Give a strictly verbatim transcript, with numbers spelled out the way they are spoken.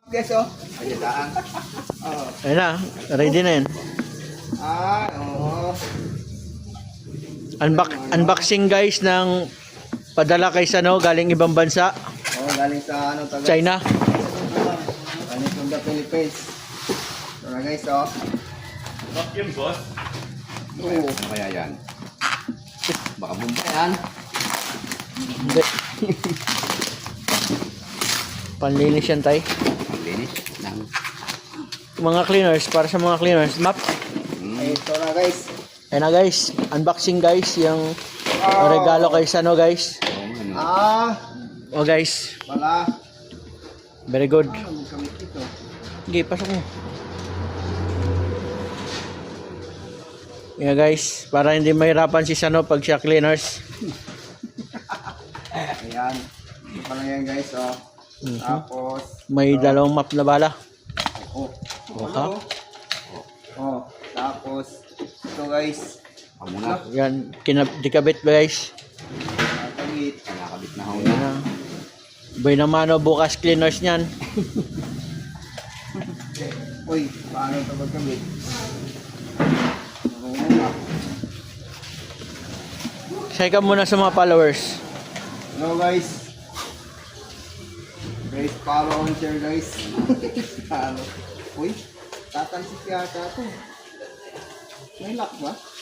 Guys, oh. Pagkadaan. Oh. Ayun na, ready na yan. Ah, oo. Unbox, unboxing guys ng padala kay Sano galing ibang bansa, Oh, galing sa ano, taga China. Galing from the Philippines. So na guys, oh. Bakit yun, boss? Oo. Ano kaya yan? Baka bumba yan. Hindi. Panlinis yan tay. Ang linis ng... Mga cleaners, para sa mga cleaners. Map. Hmm. Eh, ito na guys. Ayun na guys, unboxing guys, yung Oh. regalo kay Sano guys. Oo, ano. Ah, O guys, wala. very good. Ano magkamit ito? Okay, pasok mo. Yeah guys, para hindi mahirapan si Sano pag siya cleaners. Ayan. Ito pala yan guys, oh. Mhm. Tapos, May dalawang map na bala. oh. Oha. Oh, tapos, ito guys. Ako muna. Yan, kinab dikabit guys. Nakakabit. Nakakabit na ako Yan na. na. Boy naman o, bukas cleaners niyan. Uy, paano ito magkamit? Ako muna. Say ka muna sa mga followers. Hello guys. Guys, follow and share guys. Follow. Uy, tatalsik yata ito. May lock ba?